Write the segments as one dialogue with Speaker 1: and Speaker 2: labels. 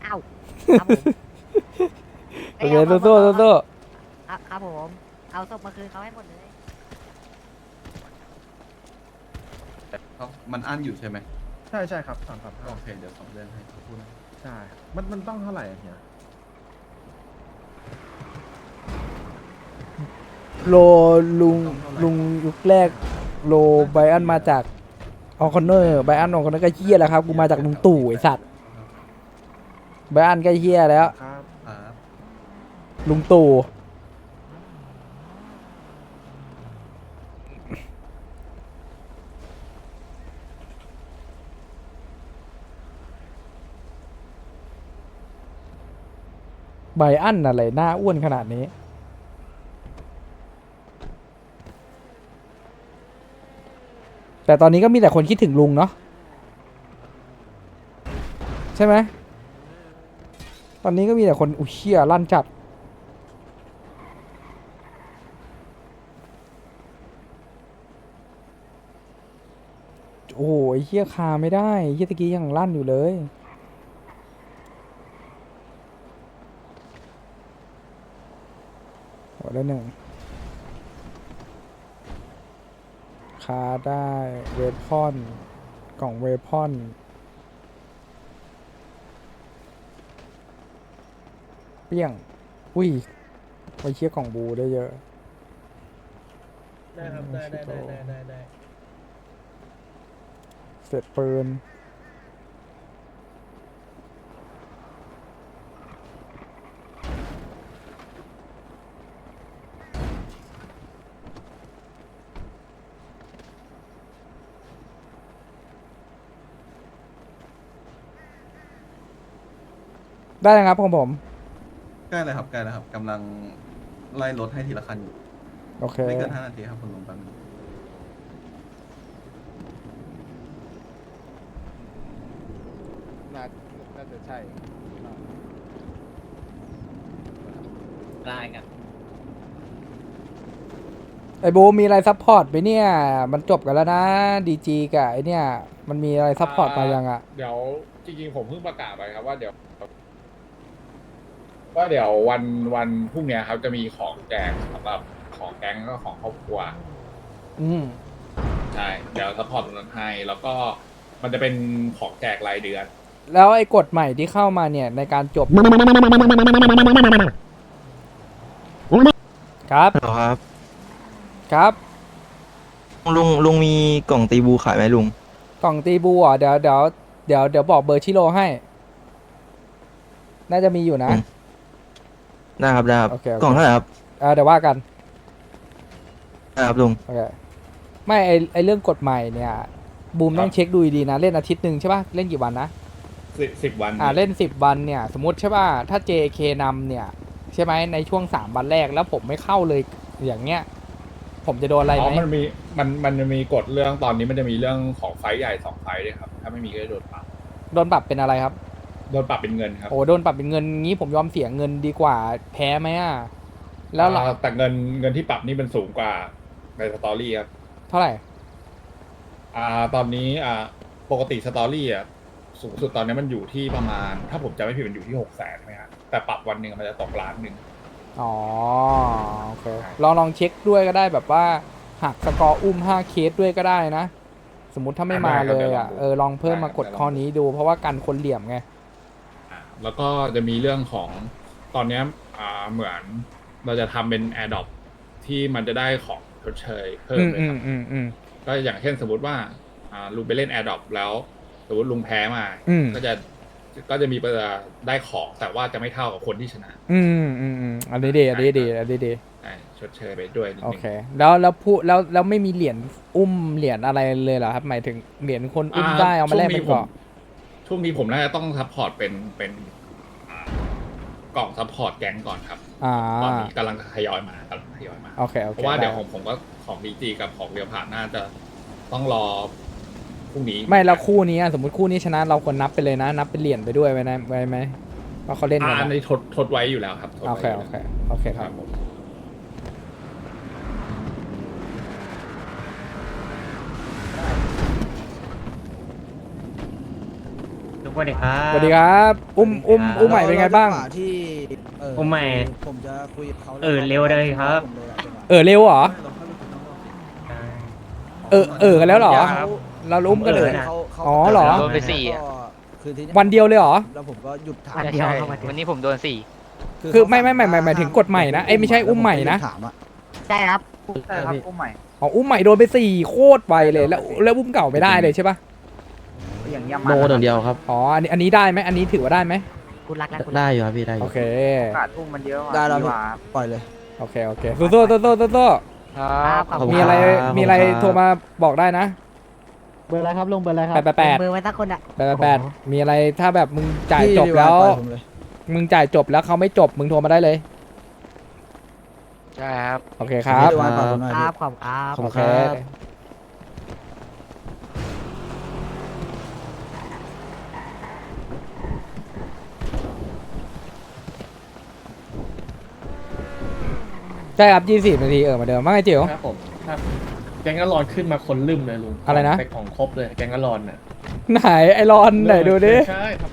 Speaker 1: อ้าวครับผม
Speaker 2: โอเคสู้ๆสู้
Speaker 1: ครับผมเอาศพมาคืนเขาให้หมดเลย
Speaker 3: มันอั้นอยู่ใช่ไหม
Speaker 4: ใช่ครับ335
Speaker 3: โอเคเดี๋ยวส่งเรื่องให้เขาพูดนะ
Speaker 4: ใช่มันต้องเท่าไหร่อะเนี่ย
Speaker 2: ๆโลลุงยุคแรกโลไบอันมาจากออคอนเนอร์ไบอันออคอนเนอร์ก็เฮี้ยแล้วครับกูมาจากลุงตู่ไอสัตว์ไบอันก็เฮี้ยแล้ว
Speaker 4: ครับ
Speaker 3: ครับ
Speaker 2: ลุงตู่ไบอันอะไรหน้าอ้วนขนาดนี้ แต่ตอนนี้ก็มีแต่คนคิดถึงลุงเนาะใช่ไหมตอนนี้ก็มีแต่คนอุ้ยเชี่ยลั่นจัดโอ้ยเชี่ยคาไม่ได้เชี่ยตะกี้ยังลั่นอยู่เลยหัวได้หนึ่งคาได้เวพอนกล่องเวพอนเปี้ยงอุ้ยไปเชี่ยกล่องบูได้เยอะ
Speaker 5: ได้ครับได้
Speaker 2: เสร็จปืนได้นะครับของผม
Speaker 3: ใกล้เลยครับใกล้แล้วครับกำลังไล่รถให้ทีละคันอยู่
Speaker 2: โอเค
Speaker 3: ไม่เกิน5 นาทีครับคุณลุงแป๊บนึง
Speaker 5: น่าจะใช่
Speaker 1: ได้กัน
Speaker 2: ไอ้บูมีอะไรซัพพอร์ตไปเนี่ย มันจบกันแล้วนะดีจีกับไอเนี่ย มันมีอะไรซัพพอร์ตมายังอ่ะ
Speaker 5: เดี๋ยวจริงๆผมเพิ่งประกาศไปครับว่าเดี๋ยววันพรุ่งเนี้ยครับจะมีของแจกสำหรับของแก๊งแล้วก็ของครอบครัว
Speaker 2: อืม
Speaker 5: ใช่เดี๋ยวซัพพอร์ตตรงนั้นให้แล้วก็มันจะเป็นของแจกรายเดือน
Speaker 2: แล้วไอ้กฎใหม่ที่เข้ามาเนี่ย ในการจบ ครับ
Speaker 6: เหรอครับ
Speaker 2: ครับ
Speaker 6: ลุงมีกล่องตีบูขายไหมลุง
Speaker 2: กล่องตีบูอ่ะเดี๋ยวบอกเบอร์ชิโร่ให้ น่าจะมีอยู่นะ
Speaker 6: อืม ได้ครับได้ครับ
Speaker 2: โอเค
Speaker 6: กล่องเท่าไหร่ครับ
Speaker 2: เดี๋ยวว่ากัน
Speaker 6: ได้ครับลุง
Speaker 2: โอเค ไม่ไอเรื่องกฎใหม่เนี่ย บูมต้องเช็คดูดีๆนะ เล่นอาทิตย์หนึ่งใช่ป่ะ เล่นกี่วันนะ
Speaker 5: 10 วัน
Speaker 2: เล่น10 วันเนี่ย สมมติใช่ป่ะ ถ้า JK นำเนี่ย ใช่ไหมในช่วง3 วันแรกแล้วผมไม่เข้าเลยอย่างเงี้ย ผมจะโดนอะไร
Speaker 5: อ๋
Speaker 2: ไห
Speaker 5: อ
Speaker 2: ม
Speaker 5: มันจะมีกฎเรื่องตอนนี้มันจะมีเรื่องของไฟท์ใหญ่2 ไฟท์ด้วยครับถ้าไม่มีก็จะโดนปรับ
Speaker 2: โดนปรับเป็นอะไรครับ
Speaker 5: โดนปรับเป็นเงินครับ
Speaker 2: โอ้โดนปรับเป็นเงินงี้ผมยอมเสียเงินดีกว่าแพ้ไหมอ่ะ แล้วหลัง
Speaker 5: แต่เงินที่ปรับนี่มันสูงกว่าในสตอรี่ครับ
Speaker 2: เท่าไหร่
Speaker 5: ตอนนี้ปกติสตอรี่สูงสุดตอนนี้มันอยู่ที่ประมาณ ถ้าผมจำไม่ผิดมันอยู่ที่600,000ใช่ไหมครับแต่ปรับวันหนึ่งมันจะตก1 ล้าน
Speaker 2: อ๋อ โอเค ลองเช็คด้วยก็ได้แบบว่าหักสกอร์อุ้ม5 เคสด้วยก็ได้นะ สมมุติถ้าไม่มาเลยอ่ะ ลองเพิ่มมากดข้อนี้ดูเพราะว่ากันคนเหลี่ยมไง
Speaker 5: แล้วก็จะมีเรื่องของตอนเนี้ยเหมือนเราจะทำเป็น AirDrop ที่มันจะได้ของชดเชยเพิ่มเลยครับ ก็อย่างเช่นสมมติว่าลุงไปเล่น AirDrop แล้วสมมติลุงแพ้มา ก็จะมีได้ของแต่ว่าจะไม่เท่ากับคนที่ชนะ
Speaker 2: อันนี้ดี
Speaker 5: ใช่ชดเชยไปด้วยนิด
Speaker 2: โอ
Speaker 5: นึง
Speaker 2: เค แล้วไม่มีเหรียญอุ้มเหรียญอะไรเลยเหรอครับ หมายถึงเหรียญคนอุ้มได้เอามาแลกเป็นเกาะ
Speaker 5: ช่วงนี้ผมน่าจะต้องซัพพอร์ตเป็นกล่องซัพพอร์ตแก๊งก่อนครับตอนนี้กำลังทยอยมา
Speaker 2: โอเค
Speaker 5: เพราะว่าเดี๋ยวผมก็ของดีจีกับของเรียวผ่านน่าจะต้องรอพรุ่งนี้
Speaker 2: ไม่แล้วคู่นี้อะสมมติคู่นี้ชนะเราควรนับไปเลยนะ นับเป็นเหรียญไปด้วยไว้นะไว้ไหมว่าเขาเล่นกัน
Speaker 5: อัน
Speaker 2: อะ
Speaker 5: นี้ทดไว้อยู่แล้วครับทด
Speaker 2: โอ
Speaker 5: ไว้
Speaker 2: เค
Speaker 5: ยู่
Speaker 2: โอ
Speaker 5: แล้ว
Speaker 2: เคโอเคค
Speaker 5: ค
Speaker 2: รั
Speaker 5: รับ บผม
Speaker 6: ล
Speaker 7: วัสดีครับ
Speaker 2: สวัสดีครับ อุ้มใหม่เป็นไงบ้าง
Speaker 8: ที่
Speaker 7: อุ้มใหม่
Speaker 8: ผมจะคุยกับเขา
Speaker 7: เร็วเลยครับ
Speaker 2: เร็วเหรอ กันแล้วเหรอ เราอุ้มกันเลย อ๋อเหรอ
Speaker 8: โดนไป
Speaker 2: วันเดียวเลยเหรอ
Speaker 8: แล้วผมก็หยุดถาม
Speaker 1: วันเดียวเข้ามา
Speaker 6: วันนี้ผมโดน4
Speaker 2: คือไม่หมายถึงกฎใหม่นะไม่ใช่อุ้มใหม่นะ
Speaker 8: ถามอะ
Speaker 1: ใช่ครับ
Speaker 4: ใช่ครับอุ้มใหม่
Speaker 2: อ๋ออุ้มใหม่โดนไป4โคตรไวเลยแล้วอุ้มเก่าไม่ได้เลยใช่ปะ
Speaker 4: อย่างเงี้ย
Speaker 6: โดนอย่างเดียวครับ
Speaker 2: อ๋ออันนี้ได้ไหมอันนี้ถือว่าได้ไหม
Speaker 1: คุณรักแล้วคุณ
Speaker 6: ได้อยู่ครับพี่ได้อ
Speaker 2: โอยู่ เค
Speaker 4: ขาดอุ้มมันเยอะ
Speaker 8: ได้แล้วพี่ปล่อยเลย
Speaker 2: โอเคสู้
Speaker 1: ครับขอบคุณ
Speaker 2: มีอะไรโทรมาบอกได้นะ
Speaker 8: เบอร์อะไรครับลงเบอร์อะไรครับ
Speaker 1: มือไว้สักคนอ่ะ
Speaker 2: 8มีอะไรถ้าแบบมึงจ่ายจบ
Speaker 8: พี่
Speaker 2: แล้ว
Speaker 8: ปล่อยผมเลย
Speaker 2: มึงจ่ายจบแล้วเขาไม่จบมึงโทรมาได้เลย
Speaker 6: ใช่ครับ
Speaker 2: โอเคครับ
Speaker 8: พี่ปล่อยผมหน่อย
Speaker 1: ค
Speaker 8: พี่
Speaker 1: รับขอบคุณครับ
Speaker 6: ขอบ
Speaker 2: โอ
Speaker 6: คุณ
Speaker 2: เค
Speaker 6: ครับ
Speaker 2: ใช่ครับ24นาทีเหมือนเดิมว่าไงจิ๋ว
Speaker 9: ครับผมครับแกงกะลอนขึ้นมาคนลืมเลยลุง
Speaker 2: อะไรนะ
Speaker 9: ไปของครบเลยแกงกะลอนน่ะ
Speaker 2: ไหนไอรอนไหนดูดิ
Speaker 9: ใช่ครับ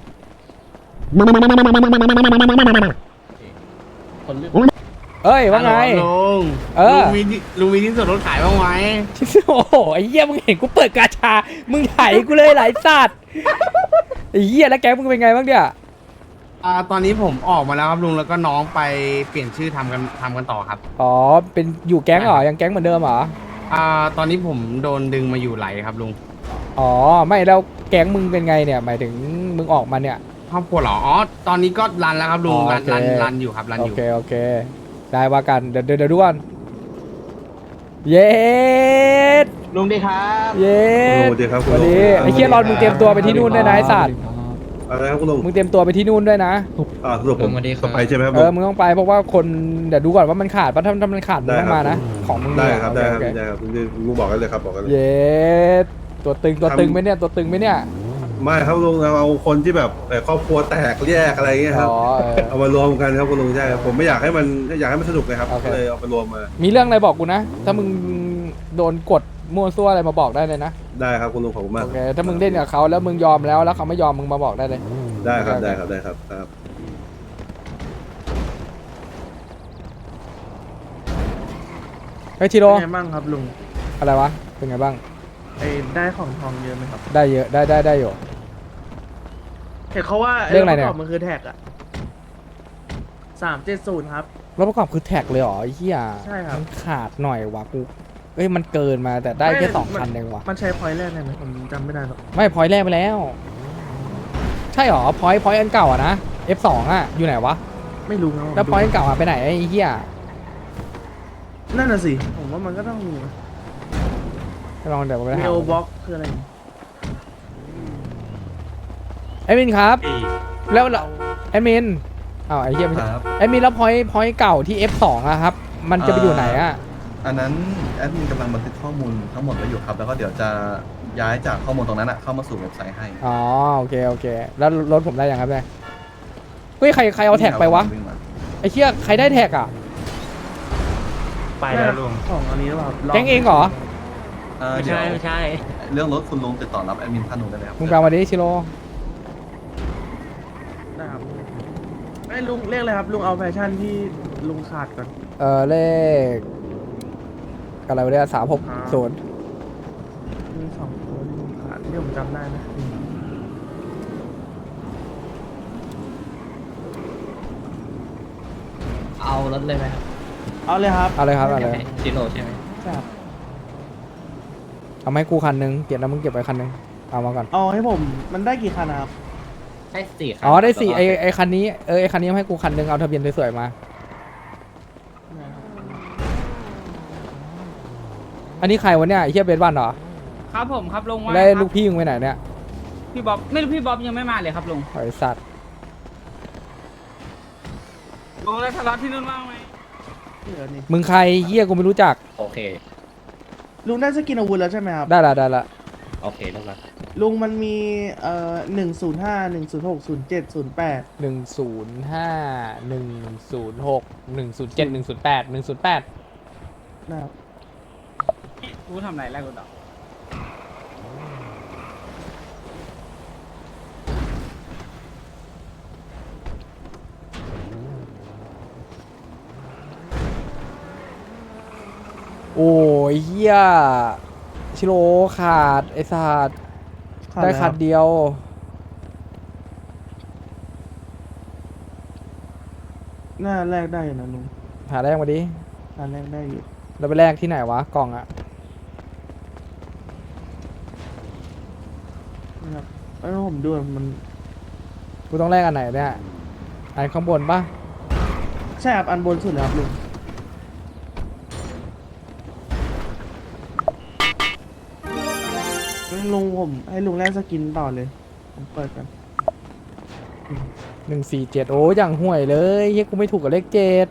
Speaker 9: คนลืม
Speaker 2: เอ้ยว่าไง
Speaker 9: ลุง
Speaker 2: เออ
Speaker 9: ลุงมีที่ส่วนลดขายบ้างไหม
Speaker 2: โอ้โหไอ้เหี้ยมึงเห็นกูเปิดกาชา มึงไถกูเลยหลายสัตว์ไอ้เหี้ยแล้วแกมึงเป็นไงบ้างเนี่ย
Speaker 9: ตอนนี้ผมออกมาแล้วครับลุงแล้วก็น้องไปเปลี่ยนชื่อทำกันต่อครับ
Speaker 2: อ๋อเป็นอยู่แก๊งเหรอยังแก๊งเหมือนเดิมเหรอ
Speaker 9: ตอนนี้ผมโดนดึงมาอยู่ไหลครับลุง
Speaker 2: อ๋อไม่แล้วแก๊งมึงเป็นไงเนี่ยหมายถึงมึงออกมาเนี่ย
Speaker 9: ครอบครัวเหรออ๋อตอนนี้ก็รันแล้วครับลุง
Speaker 2: อ๋อ
Speaker 9: รัน
Speaker 2: โอเค
Speaker 9: รันอยู่ครับรัน
Speaker 2: โอ
Speaker 9: อยู่
Speaker 2: เคได้ว่ากันเดี๋ยวดูก่อนเย็ด
Speaker 9: ลุงดีครับ
Speaker 2: เย็ด
Speaker 3: สวัสดีครับ
Speaker 2: สวัสดีไอ้เหี้ยรอนมึงเตรียมตัวไปที่นู่นด้วยนะไอ้สัตว์
Speaker 3: อะไรครับคุณลุง
Speaker 2: มึงเตรียมตัวไปที่นู่นด้วยนะ
Speaker 3: สรุปผมต้องไปใช่ไหมครับ
Speaker 2: เอ
Speaker 3: ลุ
Speaker 2: อง มึงต้องไปเพราะว่าคนเดี๋ยวดูก่อนว่ามันขาดป่ะถ้ามันขาดมึงต้องมานะของมึง
Speaker 3: ได้
Speaker 2: เนี่ย
Speaker 3: ครับ
Speaker 2: โอ
Speaker 3: ได้
Speaker 2: เค
Speaker 3: ครับ
Speaker 2: โอเค
Speaker 3: ได้ครับลุงบอกกันเลยครับบอกกันเลย
Speaker 2: เย็ดตัวตึงไหมเนี่ยตัวตึงไหมเนี่ย
Speaker 3: ไม่ครับลุงเอาคนที่แบบครอบครัวแตกแยกอะไรเงี้ยครับ
Speaker 2: อ๋อ
Speaker 3: เอามารวมกันครับคุณลุงใช่ครับผมไม่อยากให้มันสนุกเลยครับ
Speaker 2: โอเค
Speaker 3: ก็เลยเอาไปรวมมา
Speaker 2: มีเรื่องอะไรบอกกูนะ ถ้ามึงโดนกดมั่วซั่วอะไรมาบอกได้เลยนะ
Speaker 3: ได้ครับคุณลุงขอบคุณมาก
Speaker 2: โอเคถ้ามึงเล่นกับเขาแล้วมึงยอมแล้วเขาไม่ยอมมึงมาบอกได้เลย
Speaker 3: ได้ครับ
Speaker 2: โอเค
Speaker 3: ได้ครับได้ครับครับ
Speaker 2: เฮ้ยชิโร่
Speaker 4: เป็นไงบ้างครับลุง
Speaker 2: อะไรวะเป็นไงบ้าง
Speaker 4: ได้ของทองเยอะไหมครับ
Speaker 2: ได้เยอะได้อยู่
Speaker 4: เห็นเขาว่า
Speaker 2: เรื่องอะไรเนี่ย
Speaker 4: ปกบมันคือแท็กอะ370ครับ
Speaker 2: แล้วประกอบคือแท็กเลยเหรอไอ้เหี้ย
Speaker 4: ใช่ครับ
Speaker 2: มันขาดหน่อยวะกูเอ้ยมันเกินมาแต่ได้แค่
Speaker 4: ไม่
Speaker 2: 2 คันเองวะ
Speaker 4: มันใช้พอยต์แรกได้ไหมผมจำไม่ได้หรอก
Speaker 2: ไม่พอยต์แรกไปแล้ว ใช่เหรอพอยต์อันเก่าอะนะ F2 อะอยู่ไหนวะ
Speaker 4: ไม่รู้ครับ
Speaker 2: แล้วพอยต์อันเก่าอะไปไหนไอ้เหี้ย
Speaker 4: นั่นน่ะสิ ผมว่ามันก็ต้องมี
Speaker 2: ลองเดี๋ยวไป
Speaker 4: เม
Speaker 2: หา
Speaker 4: ลบ็อกคืออะไร
Speaker 2: ไอ้มินครับแล้วไอ้มินอ้าวไอ้เหี้ยไม่ใช่
Speaker 3: ครับ
Speaker 2: ไอ้มินแล้วพอยต์เก่าที่ F2 อะครับ มันจะไปอยู่ไหนอะ
Speaker 3: อันนั้นแอดมินกำลังบันทึกข้อมูลทั้งหมดไว้อยู่ครับ แล้วก็เดี๋ยวจะย้ายจากข้อมูลตรงนั้นเข้ามาสู่เว็บไซต์ให้
Speaker 2: อ๋อโอเคแล้วรถผมได้ยังครับเนี่ยเฮ้ยใครเอาแท็กไปวะไอ้เหี้ยใครได้แท็กอะ
Speaker 7: ไปแล้วลุง
Speaker 4: ของอันนี้หรือเปล่า
Speaker 2: แก๊งเองเหรอ
Speaker 7: ไม่
Speaker 3: เดี๋ยว
Speaker 7: ใช่ไม่ใช่
Speaker 3: เรื่องรถคุณลุงติดต่อรับแอดมินท่านนู้นได้เลยครับ
Speaker 2: มึงแปลมาดิชิโร่
Speaker 4: นะครับไอ้ลุงเรียกเลยครับ ลุงเอาแฟชั่นที่ลุงขาดก่อน
Speaker 2: เลขอะไรวะเนี่ย360
Speaker 4: มี2ตัวที่ลุงขาดที่ผมจำได้นะ
Speaker 1: เอารถเลยไหมครับ
Speaker 4: เอาเลยครับ
Speaker 2: เอาเลยครับเอาเลย
Speaker 1: ชิโร่ใช่ไหม
Speaker 4: ใช่ครับ
Speaker 2: เอามาให้กูคันนึงเก็บแล้วมึงเก็บไว้คันนึงเอามาก่อน
Speaker 4: เอาให้ผมมันได้กี่คันนะครับ
Speaker 1: ได้4ครับ
Speaker 2: อ๋อได้สี่ไอคันนี้ไอคันนี้ให้กูคันนึงเอาทะเบียนสวยๆมาอันนี้ใครวะเนี่ยไอ้เหี้ยเบสวันเหรอ
Speaker 7: ครับผมครับลุงว่า
Speaker 2: แล้วลูกพี่มึงไปไหนเนี่ย
Speaker 7: พี่บ๊อบไม่รู้พี่บ๊อบยังไม่มาเลยครับลุง
Speaker 2: ไอสัตว์
Speaker 7: ลุงแล้วทะเลาะที่นู่นว่างไหม
Speaker 4: เหลือนี่
Speaker 2: มึงใครเหี้ยกูไม่รู้จัก
Speaker 1: โอเค
Speaker 4: ลุงได้สกินอาวุธแล้วใช่ไหมครับ
Speaker 2: ได้ละ
Speaker 1: โอเคเรียบร้อย
Speaker 4: ลุงมันมี105 106 07 08
Speaker 2: 105 106 107 108 108
Speaker 4: นะครับ
Speaker 7: กูทำไรแรกกูต่อ
Speaker 2: โอ้ยเฮียชิโร่ขาดไอ้สัตว์ได้คันเดียว
Speaker 4: หน้าแรกได้อยู่นะลุง
Speaker 2: หาแรกมาดิ
Speaker 4: หน้าแรกได้อยู่
Speaker 2: เราไปแรกที่ไหนวะกล่องอะ
Speaker 4: นะครับแล้วผมดูมัน
Speaker 2: กูต้องแรกอันไหนเนี่ยอันข้างบนปะ
Speaker 4: ใช่ครับอันบนสุดเลยครับลุงงั้นลุงผมให้ลุงแลกสกินต่อเลย ผมเปิดกัน
Speaker 2: 147โอ้ยอย่างห่วยเลยเฮียกูไม่ถูกกับเลข7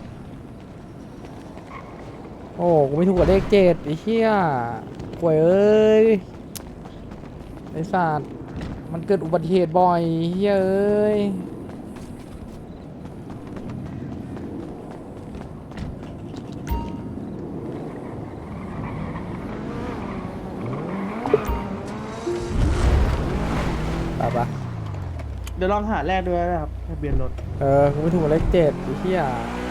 Speaker 2: โอ้กูไม่ถูกกับเลข7ไอ้เฮียห่วยเอ้ยไอ้สัตว์มันเกิดอุบัติเหตุบ่อยเฮียเอ้ยไปปะ
Speaker 4: เดี๋ยวลองหาแรกด้วยนะครับทะเบียนรถ
Speaker 2: กูไม่ถูกกับเลข7ไอ้เฮีย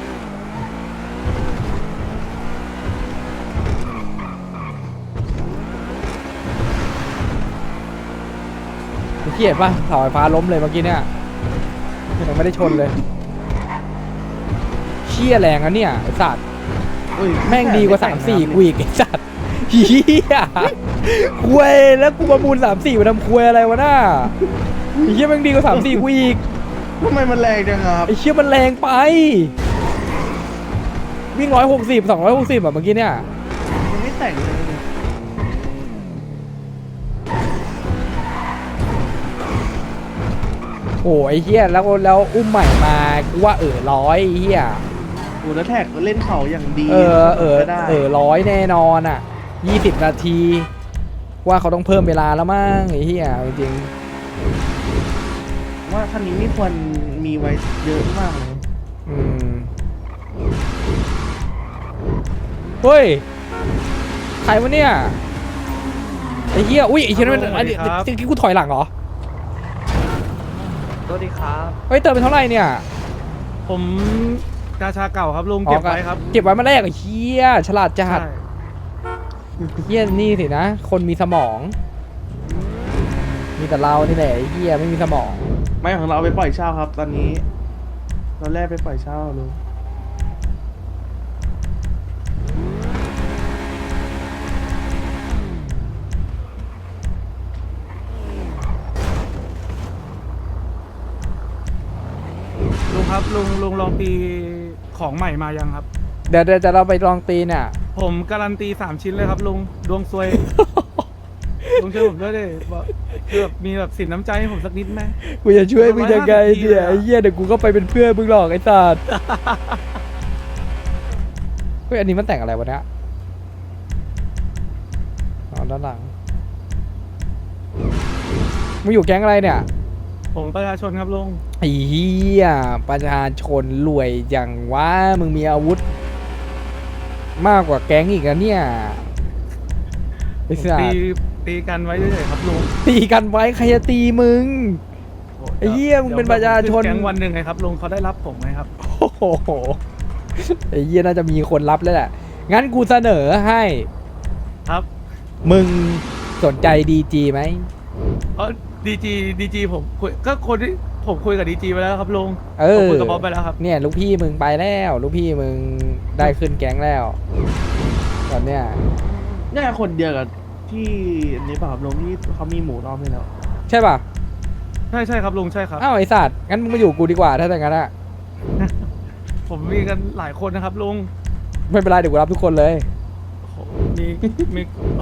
Speaker 2: เขียดป่ะเสาไฟฟ้าล้มเลยเมื่อกี้เนี่ยยังไม่ได้ชนเลยเชี่ยแรงอะเนี่ยไอ้สัตว์
Speaker 4: อุ้ย
Speaker 2: แม่งดีกว่า3-4กูอีกไอ้สัตว์เฮียคุยแล้วกูประมูล3-4มาทำคุยอะไรวะน่าไอ้เฮียแม่งดีกว่า3-4กูอีก
Speaker 4: ทำไมมันแรงจังครับ
Speaker 2: ไอ้เชี่ยมันแรงไปวิ่ง160 260แบบเมื่อกี้เนี่ย
Speaker 4: ยังไม่แต่งเลย
Speaker 2: โอ้ไอ้เฮียแล้วอุ้มใหม่มากูว่าร้อยไอ้เฮีย
Speaker 4: โอ้แล้วแท็กเล่นเขาอย่างดี
Speaker 2: ก็ได้
Speaker 4: ได้
Speaker 2: ร้อยแน่นอนอ่ะ20 นาทีว่าเขาต้องเพิ่มเวลาแล้วมั้งไอ้เหี้ยจริง
Speaker 4: ว่าคันนี้ไม่ควรมีไว้เยอะมากเลย
Speaker 2: ๆเฮ้ยใครวะเนี่ยไอ้เหี้ยอุ้ยไอ้เหี้ยนั่นอันนี้เมื่อกี้กูถอยหลังเหรอ
Speaker 1: สวัสดีครับ
Speaker 2: เฮ้ยเติมไปเท่าไหร่เนี่ย
Speaker 9: ผมกาชาเก่าครับลุงเก็บไว้ครับ
Speaker 2: เก็บไว้มาแรกไอ้เหี้ยฉลาดจัดเหี้ยนี่สินะคนมีสมอง มีแต่เรานี่แหละไอ้เหี้ยไม่มีสมอง
Speaker 4: ไม่ของเราเอาไปปล่อยเช่าครับ ตอนนี้เราแรกไปปล่อยเช่าลุง
Speaker 9: ลุงครับลุงลองตีของใหม่มายังครับ
Speaker 2: เดี๋ยวจะเราไปลองตีเนี่ย
Speaker 9: ผมการันตี3 ชิ้นเลยครับลุงดวงซวย ลุงช่วยผมด้วยดิว่าคือแบบมีแบบสินน้ำใจให้ผมสักนิดไหม
Speaker 2: กูจะช่วยมึงยังไงเนี่ยไอ้เหี้ยเดี๋ยวกูก็ไปเป็นเพื่อนมึงหรอกไอ้สัตว์เฮ้ยอันนี้มันแต่งอะไรวะเนี่ยอ๋อด้านหลังมึงอยู่แก๊งอะไรเนี่ย
Speaker 9: ผมประชาชนครับลุง
Speaker 2: ไอ้เหี้ยประชาชนรวยอย่างว่ามึงมีอาวุธ มากกว่าแก๊งอีกนะเนี่ยไอ้
Speaker 9: ผม
Speaker 2: สัตว์
Speaker 9: ตีกันไว้เฉยๆครับลุง
Speaker 2: ตีกันไว้ใครจะตีมึง ไอ้เหี้ยมึงเป็นประชาชน
Speaker 9: เดี๋ยวแก๊งวันหนึ่งไงครับลุงเขาได้รับผมไหมครับ
Speaker 2: โอ้โหไอ้เหี้ยน่าจะมีคนรับแล้วแหละ งั้นกูเสนอให้
Speaker 9: ครับ
Speaker 2: มึงสนใจดีจีไหม
Speaker 9: เพราะดีจีผมคุยก็คนที่ผมคุยกับดีจีไปแล้วครับลุง
Speaker 2: เอ
Speaker 9: ผม
Speaker 2: อ
Speaker 9: คุยกับบ๊อบไปแล้วครับ
Speaker 2: เนี่ยลูกพี่มึงไปแล้ว ลูกพี่มึงได้ขึ้นแก๊งแล้ว ตอนเนี้ย
Speaker 4: น่าจะคนเดียวกับที่อันนี้เปล่าครับลุงที่เขามีหมูรอบให้แล้ว
Speaker 2: ใช่ป่ะ
Speaker 9: ใช่ครับลุงใช่ครับ
Speaker 2: อ้าวไอสัตว์ งั้นมึงมาอยู่กูดีกว่าถ้าอย่างนั้นอะ
Speaker 9: ผมมีกันหลายคนนะครับลุง
Speaker 2: ไม่เป็นไรเดี๋ยวกูรับทุกคนเลย
Speaker 9: โอ้โหมี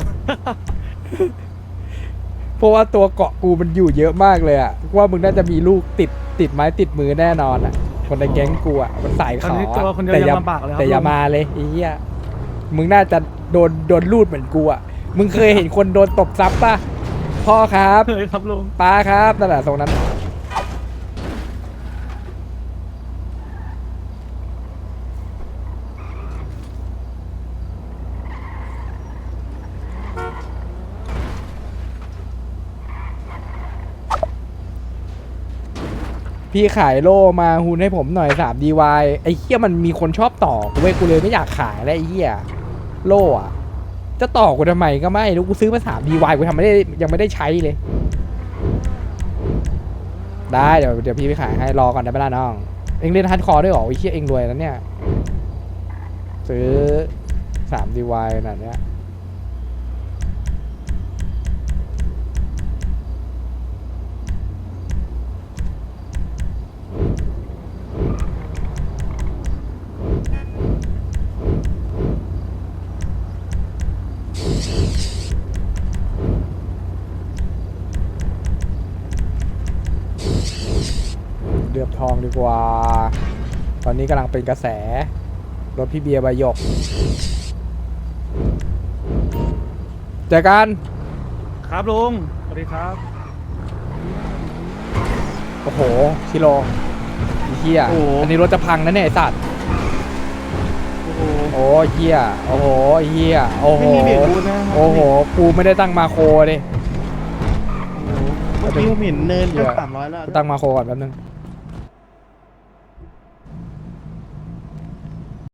Speaker 2: เพราะว่าตัวเกาะกูมันอยู่เยอะมากเลยอะว่ามึงน่าจะมีลูกติดไม้ติดมือแน่นอนอะคนในแก๊งกูอะมันสาย
Speaker 9: ตอน
Speaker 2: ขอ
Speaker 9: นี้ตัวคนเดียว
Speaker 2: แต่
Speaker 9: ยังลำบากเลยครับ
Speaker 2: แต่อย่า
Speaker 9: ลุง
Speaker 2: มาเลยไอ้เหี้ยมึงน่าจะโดนลูดเหมือนกูอะมึงเคยเห็นคนโดนตบซับป่ะพ่อครับ
Speaker 9: เคยครับลุง
Speaker 2: ป้าครับนั่นแหละตรงนั้นพี่ขายโล่มาฮูนให้ผมหน่อย3 DY ไอ้เหี้ยมันมีคนชอบต่อกูเว้ยกูเลยไม่อยากขายแล้วไอ้เหี้ยโล่อะจะต่อกูทำไมก็ไม่รู้กูซื้อมา3 DY กูทำไม่ได้ยังไม่ได้ใช้เลย ได้เดี๋ยวพี่ไปขายให้รอก่อนได้ไหมล่ะน้องเอ็งเล่นฮาร์ดคอร์ด้วยเหรอไอ้เหี้ยเอ็งรวยแล้วเนี่ยซื้อ3 DY ขนาดเนี้ยเดือบทองดีกว่า ตอนนี้กำลังเป็นกระแสรถพี่เบียร์ใบหยกเจอกัน
Speaker 9: ครับลุงสวัสดีครับ
Speaker 2: โอ้โหชิโร่ไอ้เหี้ย
Speaker 9: โอ้โห
Speaker 2: อันนี้รถจะพังนะเนี่ยไอ้สัตว์
Speaker 9: โอ้โห
Speaker 2: โอ้เหี้ยโอ้โหเหี้ยโอ้โห
Speaker 9: ไม่มีเบรกบูทนะครับ
Speaker 2: โอ้โหกูไม่ได้ตั้งมาโครดิ
Speaker 9: เมื่อกี้ผมเห็นเนิน
Speaker 2: เหี้
Speaker 9: ก็
Speaker 2: ย
Speaker 9: 300แล้ว
Speaker 2: กูตั้งมาโครก่อนแป๊บนึง